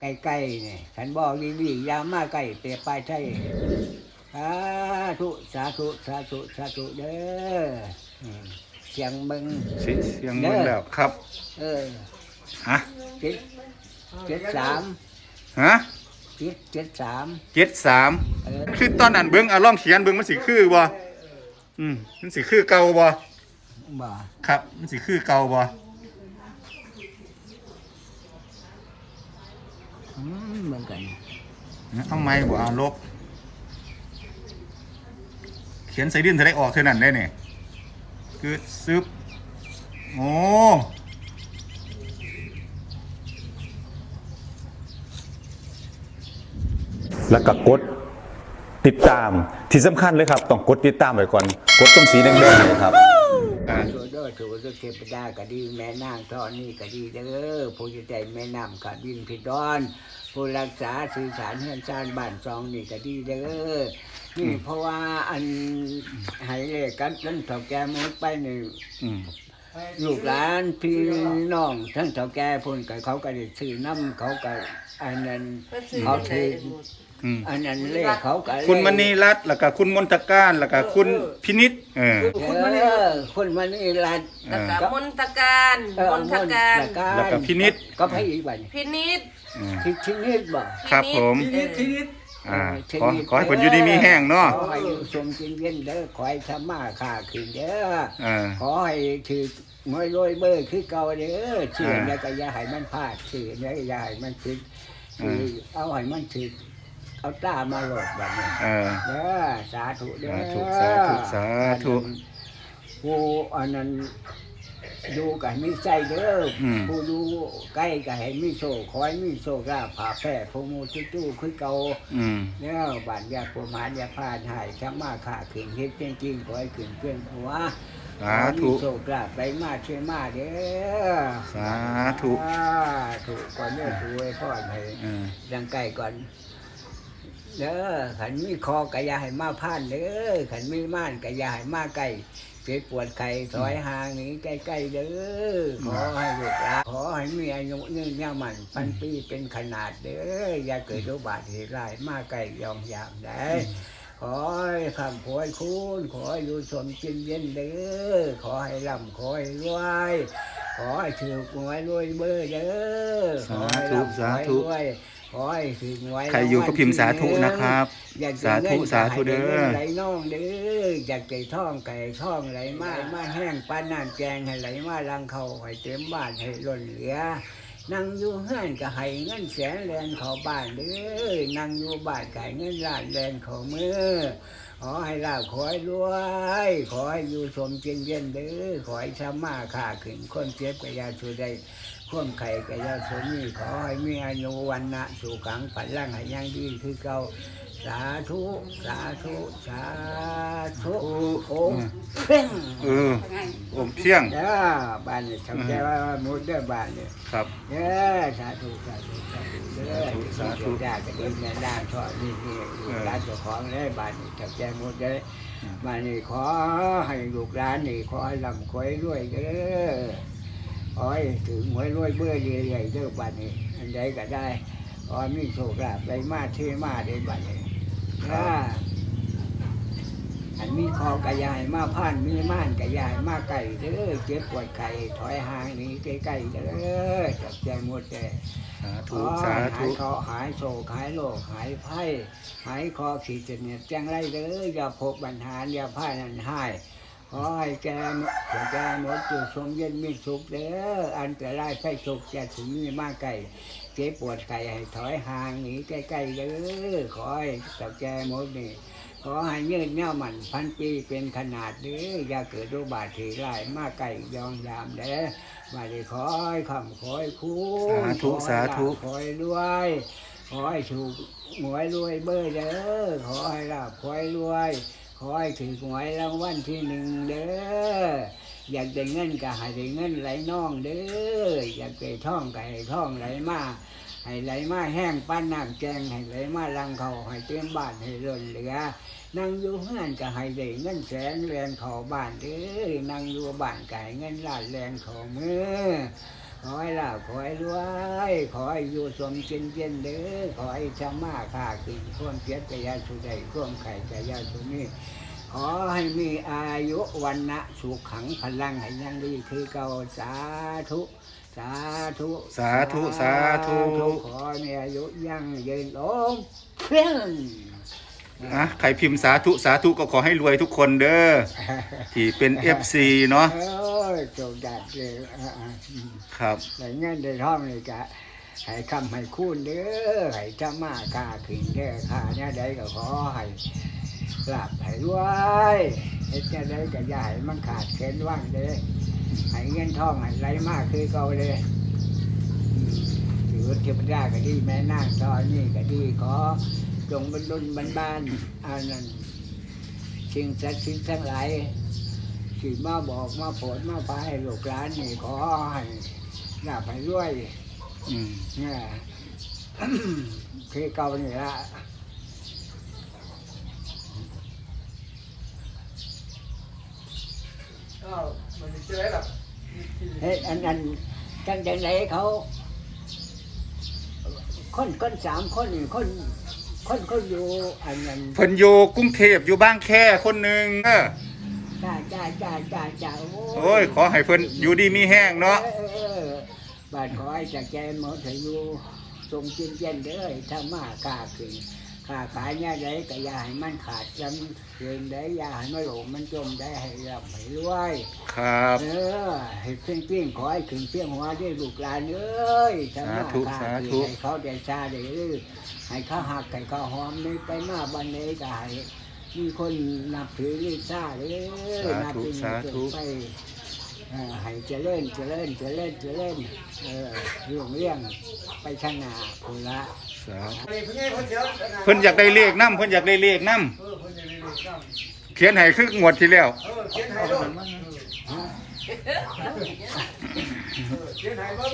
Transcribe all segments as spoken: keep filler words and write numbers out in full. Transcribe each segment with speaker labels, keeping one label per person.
Speaker 1: ใกล้ๆเนี่ยฉันบอกดีๆยามาใกล้เตะปลายใช่สาธุสาธุสาธุสาธุเด้อเสียงมึง
Speaker 2: เสียงมึงแล้วครับ
Speaker 1: เออ
Speaker 2: ฮะ
Speaker 1: เจ็ดเจ็ดสาม
Speaker 2: ฮะ
Speaker 1: เจ็ดเจ็ดสาม
Speaker 2: เจ็ดสามคือตอนนั้นเบิ้งอ่ะลองเขียนเบิ้งมันสิคือบ่อืมมันสิคือเก่าบ่
Speaker 1: บ่
Speaker 2: ครับมันสิคือเก่าบ่
Speaker 1: อืมเหมือนกัน
Speaker 2: เอาไม้บ่เอาลบเขียนใส่ดินจะได้ออกเท่านั้นได้เนี่ยคือซึบโอ้
Speaker 3: แล้วก็กดติดตามที่สำคัญเลยครับต้องกดติดตามไว้ก่อนกดตรงสีแดงๆนี่ครับ
Speaker 1: ถูกด้วยถูกด้วยเทพดาก็ดีแม่นางทอนี่ก็ดีเด้อผู้จะใจแม่น้ำขาดินพิดอนผู้รักษาสื่อสารเฮือนชานบ้านซองนี่ก็ดีเด้อนี่เพราะว่าอันให้เลขกันทั้งเฒ่าแก่มือไปนี่ลูกหลานพี่น้องทั้งเฒ่าแก่พุ่นก็เขาก็ได้ซื้อน้ำเขาก็อันนั้นเขาถืออันนั้นเลขเขาก็
Speaker 2: คุณมณีรัตน์แล้วก็คุณมนตการแล้วก็คุณพินิจเออ
Speaker 1: คุณมณีคุณมณีรัตน์
Speaker 4: แล้วก็มนตการมนตการ
Speaker 2: แล้วก็พินิจ
Speaker 1: ก็ให้อีกบัด
Speaker 4: พินิจ
Speaker 1: พินิจบ่
Speaker 2: ครับผม
Speaker 4: พินิจพินิจ
Speaker 2: อ่าขอขอให้ผลอยู่ดีมีแห้งเนาะ
Speaker 1: ขอให้อยู่สมกินเย็นเด้อขอให้ทำมาค้าขึ้นเด้อขอให้ถือมวยรวยเบอร์คือเก่าเด้อเชื่อแล้วก็อย่าให้มันพลาดเชื่อแล้วก็อย่าให้มันผิดคือเอาให้มันผิดเอาตามาโหลดแบบนี้เด้อสาธุเด้อ
Speaker 2: สาธุสาธุ
Speaker 1: ผู้อันนั้นดูกันมีใจเด้อผู้ดูใกล้ก็ให้มีโชคคอยมีโชคลาภผ่าแผ่ผู้มูจู่ๆคือเก่าเนี่ยบ้านยาผู้หานยาพานหายช้ำมาขาขึ้นเฮ็ดจริงๆขอให้ขึ้นเพื่อนหัว
Speaker 2: สาธุ
Speaker 1: โชคลาภไปมาช่วยมาเด้อ
Speaker 2: สาธุ
Speaker 1: ถูกก่อนเด้อถูกไว้พ่อให้ดังใกล้ก่อนเด้อขันมีคอกะยาให้มาพานเด้อขันมีม่านกะยาให้มาใกล้เจ็บปวดไข้ถอยห่างนี้ใกล้ๆเด้อขอให้ลูกหลานขอให้มีอายุยืนยาวมันพันปีเป็นขนาดเด้ออย่าเกิดโรคบาดเหตุร้ายมาใกล้ยอมยามได้ขอให้คำขอให้คุณขอให้อยู่สมจินเย็นเด้อขอให้ร่ำขอให้รวยขอให้ถือหวยรวยเบอร์เด้อขอให้ร่ำขอให้รวยขอให้ถึงไว้
Speaker 2: ใครอยู่ก็พิมพ์สาธุนะครับสาธุสาธุเด้อ
Speaker 1: ไหลน้องเด้ออยากไก่ท่องไก่ท่องไหลมามาแห้งปานน้ำแกงให้ไหลมาลังเขาให้เต็มบ้านให้ล้นเหลือนั่งอยู่เฮือนก็ให้เงินแสนแลนเขาบ้านเด้อนั่งอยู่บ้านไก่เงินล้านแลนเขามือขอให้ลาบขอให้รวยขอให้อยู่สมเย็นเย็นเด้อขอให้ชามาขาขึ้นคนเจ็บกระยาชูได้ข่วมไข่กระยาสมีขอให้มีอายุวันนะสู่ขังปัดล่างให้ยังดีคือเก่าสาธุสาธุสาธุโอ้เพ่ง
Speaker 2: เออโอมเพียง
Speaker 1: เด้อบ้านนี่ทำใจว่ามุดเด้อบ้านนี่
Speaker 2: ครับ
Speaker 1: เด้อสาธุสาธุสาธุเด้อสาธุญาติกันแม่ด้านทอดนี่นี่ร้านเจ้าของได้บ้านนี่ทำใจมุดเด้อบ้านนี่ขอให้ลูกหลานนี่ขอให้ลำขอให้รวยเด้อขอให้ถึงหวยรวยเบื่อเรื่อยๆเด้อบ้านนี้อันใดก็ได้ขอมีโชคลาภไปมาเทมาได้บ้านนี้ถ้าอันมีคอกระยายมาผ่านมีม่านกระยายมาไก่เด้อเจ็บปวดไข่ถอยห่างนี้ใกล้ๆเด้อจับใจหมดแต่
Speaker 2: สาธุสาธุ
Speaker 1: หายคอหายโศกหายโรคหายไข้หายคอขีดเนียดแจ้งไรเด้ออย่าพบปัญหาอย่าพ่ายนั่นหายขอให้แกหัวใจหมดจุดสมเย็นมีสุขเด้ออันแต่ไร้ไฟสุขจะถึงมีมากไก่เจ็บปวดไข้ให้ถอยห่างหนีใกล้ๆเด้อขอให้ตับใจหมดนี่ขอให้ยืดเงามันพันปีเป็นขนาดเด้ออย่าเกิดโรคบาดเจ็บร้ายมากไก่ยองยามเด้อมาได้ขอให้คำขอให้คุณ
Speaker 2: สาธุสาธุ
Speaker 1: ขอให้รวยขอให้ถูกหวยรวยเบอร์เด้อขอให้ลาบขอให้รวยขอให้ถือหวยรางวัลที่หนึ่งเด้ออยากได้เงินก็ให้ได้เงินไหลน่องเด้ออยากได้ท่องก็ให้ท่องไหลมาให้ไหลมาแห้งปั้นน้ำแกงให้ไหลมาลังเขาให้เต็มบ้านให้ล้นเหลือนั่งอยู่เฮือนก็ให้ได้เงินแสนแลนเขาบ้านเด้อนั่งอยู่บ้านก็ให้เงินล้านแลนเขามือขขอให้ลาบขอให้รวยขอให้อยู่สมเจนเจนเด้อขอให้ชามาค่ากินข่วามเพียรกยาสุใดข่วามไข่กยาสุนี้ขอให้มีอายุวันนะสุขขังพลังให้ยังดีคือเก่าสาธุสาธุ
Speaker 2: สาธุสาธุ
Speaker 1: ขอให้มีอายุยั่งยืนโอมเพียง
Speaker 2: อ่ะใครพิมพ์สาธุสาธุก็ขอให้รวยทุกคนเด้อที่เป็น เอฟ ซี เนาะ
Speaker 1: โอ้ยโจดดัดเลยอ่าอืม
Speaker 2: ครับ
Speaker 1: แต่เงินได้ท่องเลยกะให้คำให้คูณเด้อให้เจ้ามาค่าขึ้นเด้อค่าเนี่ยใดก็ขอให้หลับให้รวยเฮ็ดเนี่ยใดก็อย่าให้มันขาดเข็นว่างเด้อให้เงินทองให้ไหลมากคือเก่าเลยอืมถือว่าเทวดาก็ดีแม่นางตอนนี้ก็ดีขอจงบรรลุบรรบานอันนั้นสิ่งศักดิ์สิทธิ์ทั้งหลายที่มาบอกมาโปรดมาพาให้ลูกหลานนี่ขอให้หลับให้รวย
Speaker 2: อืม
Speaker 1: เนี่ย คือเก่านี่ละ
Speaker 5: อ้าวมันจะเจอหรอ
Speaker 1: เฮ้ยอันนั้นจังจังไหนเขา คนคนสามคนนี่คนคนเขาอยู่อันนั้น
Speaker 2: เพิ่นอยู่กรุงเทพอยู่บางแคคนหนึงเออ
Speaker 1: จ้าจ้าจ้าจ้าจ้า
Speaker 2: โอ้ยขอให้เพิ่นอยู่ดีมีแห้งเนาะ
Speaker 1: ออออบ้านขอให้จากใจหมดให้อยู่ทรงจินเจนเด้อถ้ามาค้าขึ้นค้าขายเนี่ยได้ก็อย่าให้มันขาดจำเกินได้อย่าให้มันหลงมันจมได้ให้รับให้รวย
Speaker 2: ครับ
Speaker 1: เออให้เพียงเพียงขอให้ขึ้นเพียงหัวได้ลูกหลานเอ้ยถ้ามาค้าขึ้นให้เขาได้ชาได้ลือให้เขาหักให้เขาหอมนี่ไปมาบันนี้ก็ให้มีคนนับถือลิซ่าเลยนับถือไปเออให้เจริญเจริญเจริญเจริญเออเรื่องเรื่องไปข้างหน้าคนละ
Speaker 2: สาธุ
Speaker 5: เฮ้ยเพิ่งไงเพิ่งเสียว
Speaker 2: เพิ่นอยากได้เลขนำเพิ่นอยากได้เลขนำ
Speaker 5: เออเพิ่งจะได้เรียนจ้ำ
Speaker 2: เขียนให้คืองวดที่แล้ว
Speaker 5: เออเขียนให้ด้วยเออเขียนให้เบิ่ง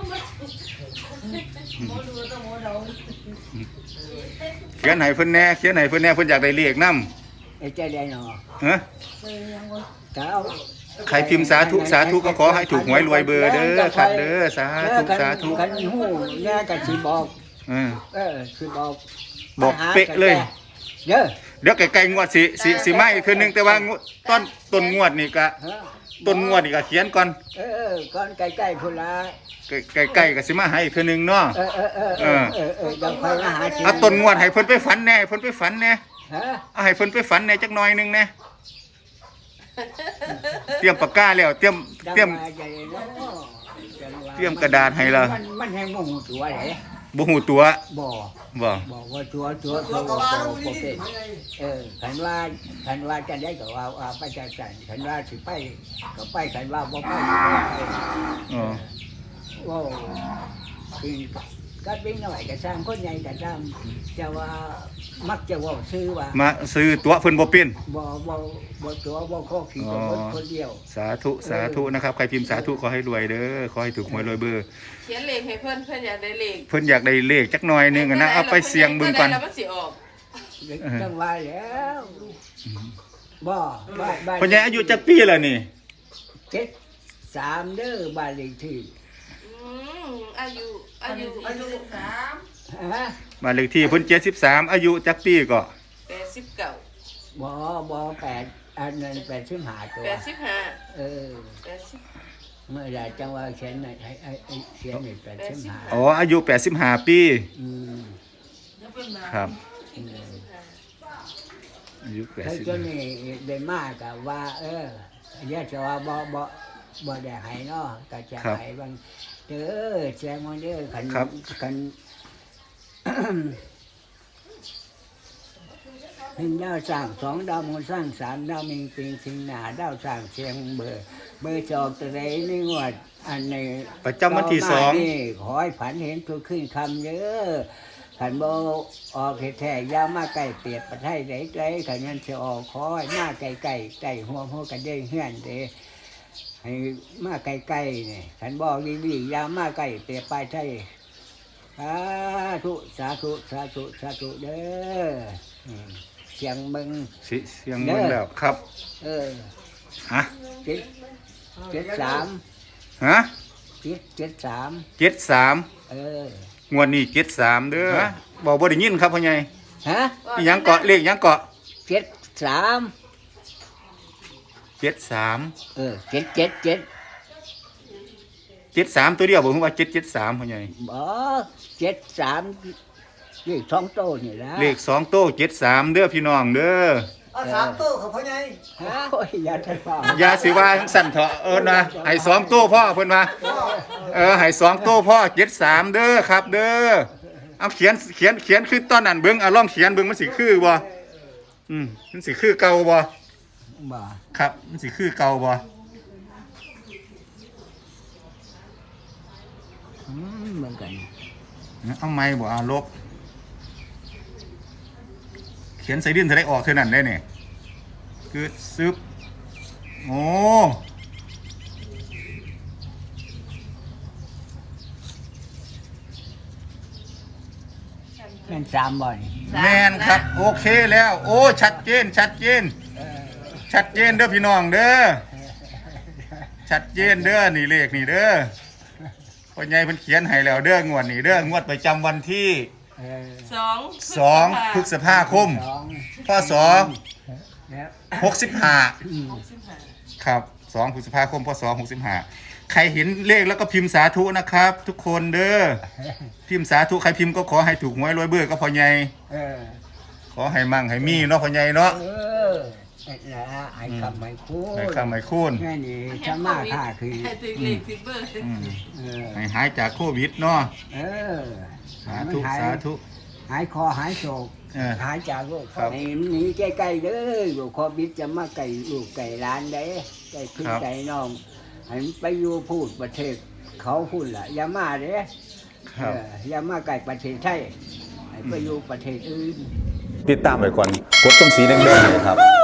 Speaker 2: เขียนให้เพิ่นแหน่เขียนให้เพิ่นแหน่เพิ่นอยากได้เลขนำ
Speaker 1: ไอ้เจ้าได้หนอ
Speaker 2: ฮะ
Speaker 1: เจ้า
Speaker 2: ใครพิมพ์สาธุสาธุก็ขอให้ถูกหวยรวยเบอร์เด้อครับเด้อสาธุสาธุ
Speaker 1: กันหูแน่กันสิบอก
Speaker 2: เออ
Speaker 1: เออสิบอก
Speaker 2: บอกเป๊ะเลย
Speaker 1: เด้อ
Speaker 2: เดี๋ยวไกลๆงวดสิสิสิมาอีกคืนนึงแต่ว่างวดต้นต้นงวดนี่ก็
Speaker 1: ฮะ
Speaker 2: ต้นงวดนี่ก็เขียนก่อน
Speaker 1: เออก่อนใกล้ๆพุ่นละ
Speaker 2: ใกล้ๆก็สิมาให้อีกคืนนึงเนาะ
Speaker 1: เออเออเออเออเออเออยังคอยมาหา
Speaker 2: เอาต้นงวดให้เพิ่นไปฝันแหน่เพิ่นไปฝันแหน่
Speaker 1: ฮะ
Speaker 2: เอาให้เพิ่นไปฝันแหน่จักหน่อยหนึงแหน่เตรียมปากกาแล้วเตรียมเตรียม
Speaker 1: จังว่าจะได้เนาะจังว่า
Speaker 2: เตรียมกระดาษให้ล่ะ
Speaker 1: มันมันให้โมโหตัวไหน
Speaker 2: บ่ฮู้ตัว
Speaker 1: บ่
Speaker 2: บ่
Speaker 1: บอกว่าตัวตัวตั
Speaker 5: ตัว วกระบาล
Speaker 1: ตั
Speaker 5: ลู
Speaker 1: ว
Speaker 5: ก
Speaker 1: บ่
Speaker 5: นี่
Speaker 1: เป็น
Speaker 5: เพิ่งไง
Speaker 1: เออขันว่าขันว่าจะได้ก็ว่าว่าไปจะสั่นขันว่าสิไปก็ไปขันว่าบ่ไปก็บ่ไป
Speaker 2: อ๋อ
Speaker 1: ว้าวคือก็เป็นหน่อยก็สร้างคนใหญ่ก็สร้างจะว่ามักจะเว่าซื้อว่า
Speaker 2: มาซื้อตั๋วเพิ่นบ่เป็น
Speaker 1: บ่บ่บ่ตัวบ่ข้อขี่กับคนคนเดียว
Speaker 2: สาธุสาธุนะครับใครพิมพ์สาธุขอให้รวยเด้อขอให้ถูกหวยรวยเบอร์
Speaker 4: เขียนเลขให้เพื่อนเพื่อนอยากได้เลข
Speaker 2: เพิ่นอยากได้เลขจักหน่อยหนึงอะนะเอาไปเสี่ยงเบิ่งก่อน
Speaker 4: แล้วมันสิออก
Speaker 1: จังว่าแล้วบ่บ้านบ้าน
Speaker 2: เพิ่นใหญ่อายุจักปีแล้วนี่
Speaker 1: เจ็ดสามเด้อบ้านเลขที่
Speaker 4: อืมอายุอายุอายุสาม
Speaker 1: ฮะ
Speaker 2: บ้านเลขที่เพิ่นเจ็ดสิบสามอายุจักปีก็
Speaker 4: แปดสิบเก้า
Speaker 1: บ่บ่แปดอันนั้นแปดสิบห้าตัว
Speaker 4: แปดสิบห้า
Speaker 1: เออ
Speaker 4: แปดสิบ
Speaker 1: เมื่อใดจังว่าเขียนให้ให้ให้เขียนให้แปดสิบห้า
Speaker 2: อ๋ออายุแปดสิบห้าปี
Speaker 1: อืม
Speaker 2: ครับ
Speaker 1: อืม
Speaker 2: อายุแปด
Speaker 1: ถ้า
Speaker 2: สิบ
Speaker 1: จนนี่ได้มากก็ว่า เออเรียกจะว่าบ่บ่บ่ได้ให้เนาะก็จะให้บางเด้อแจ้งมาเด้อคันคัน หนึ่งดาวสร้างสองดาวมูลสร้างสามดาวมิงปิงสิงหนาดาวสร้างเชียงเบอร์เบอร์จอกตะไรนี่งวดอันใน
Speaker 2: ประจำวันที่สอง
Speaker 1: นี่ขอให้ผันเห็นตัวขึ้นคำเยอะขันโบออกแท้ๆยามาไก่เปียดประไทยไหนไกลขันยันจะออกขอให้มาไก่ไก่ไก่หัวหัวกันได้เฮือนเด้ให้มาไก่ไก่เนี่ยขันบอกดีๆยามาไก่เปียดไปไทยสาธุสาธุสาธุสาธุเด้ออืมเสียงมึง
Speaker 2: สิเสียงเบิ่งแล้วครับ
Speaker 1: เออ
Speaker 2: ฮะ
Speaker 1: เจ็ดเจ็ดสาม
Speaker 2: ฮะ
Speaker 1: เจ็ดเจ็ดสาม
Speaker 2: เจ็ดสาม
Speaker 1: เออง
Speaker 2: วดนี้เจ็ดสามเด้อบอกบ่ได้ยินครับพ่อใหญ่
Speaker 1: ฮะ
Speaker 2: อิหยังเกาะเลขหยังเกาะ
Speaker 1: เจ็ดสาม
Speaker 2: เจ็ดสาม
Speaker 1: เออเจ็ดเจ็ดเจ็ด
Speaker 2: เจ็ดสามตัวเดียวบอกว่าเจ็ดเจ็ดสามพ่อใหญ่
Speaker 1: บ่เจ็ดสามเลขสองโตนี่ละ
Speaker 2: เลขสองโต้เจ็ดสามเด้อพี่น้องเด้อ
Speaker 5: เอาสามตู้ของพ่อใหญ่
Speaker 1: ฮะโอ้ยอย่าทะเลาะ
Speaker 2: อย่าสิว่าสั่นเถาะเอิ้นว่าให้สองโต้พ่อเพิ่นว่าเออให้สองโต้พ่อเจ็ดสามเด้อครับเด้อเอาเขียนเขียนเขียนคือตอนนั้นเบิ่งเอาลองเขียนเบิ่งมันสิคือบ่อืมมันสิคือเก่าบ่
Speaker 1: บ่
Speaker 2: ครับมันสิคือเก่าบ่
Speaker 1: อืมเหมือนกัน
Speaker 2: เอาไม้บ่เอาลบเขียนใส่ดินจะได้ออกเท่านั้นได้เนี่ยคือซึบโอ้
Speaker 1: แม่นสามบ่นี่
Speaker 2: แมนครับโอเคแล้ว โอ้ชัดเจนชัดเจน ชัดเจนเด้อพี่น้องเด้อชัดเจนเด้อนี่เลขนี่เด้อพ่อใหญ่เพิ่นเขียนให้แล้วเด้องวดนี่เด้องวดประจำวันที่
Speaker 1: เออ
Speaker 4: สอง
Speaker 2: สองพฤษภาคม
Speaker 1: สอง
Speaker 2: พศ
Speaker 1: แล้ว
Speaker 2: หกสิบห้า
Speaker 4: หกสิบห้า
Speaker 2: ครับสองพฤษภาคมพศหกสิบห้าใครเห็นเลขแล้วก็พิมพ์สาธุนะครับ ทุกคนเด้อพิมพ์สาธุใครพิมพ์ก็ขอให้ถูกหวยรวยเบื่อก็พอใหญ่
Speaker 1: เออ
Speaker 2: ขอให้มั่งให้มีเนาะพอใหญ่เนาะ
Speaker 1: เออนั่นละไอ้คำไม่คูณ
Speaker 2: ให้ข้ามให้คูณ
Speaker 1: แม่นี่จะมาค่าคือ
Speaker 4: ให้ตึกเลขตึกเบอร์
Speaker 2: อืม
Speaker 1: เออ
Speaker 2: ให้หายจากโควิดเนาะ
Speaker 1: เออ
Speaker 2: สาธุ
Speaker 1: หาย
Speaker 2: สาธุ
Speaker 1: หายคอหายโศก
Speaker 2: เออ
Speaker 1: หายจากโรค
Speaker 2: ครับ
Speaker 1: ให้มันหนีใกล้ๆเด้ออยู่โควิดจะมาไก่ลูกไก่ร้านได้ไก่ขึ้นไก่น้องให้มันไปอยู่พูดประเทศเขาพูดล่ะอย่ามาเด้
Speaker 2: ครับ
Speaker 1: เอออย่ามาไก่ประเทศไทยให้ไปอยู่ประเทศอื่น
Speaker 3: ติดตามไว้ก่อนกดตรงสีแดงๆเลยครับ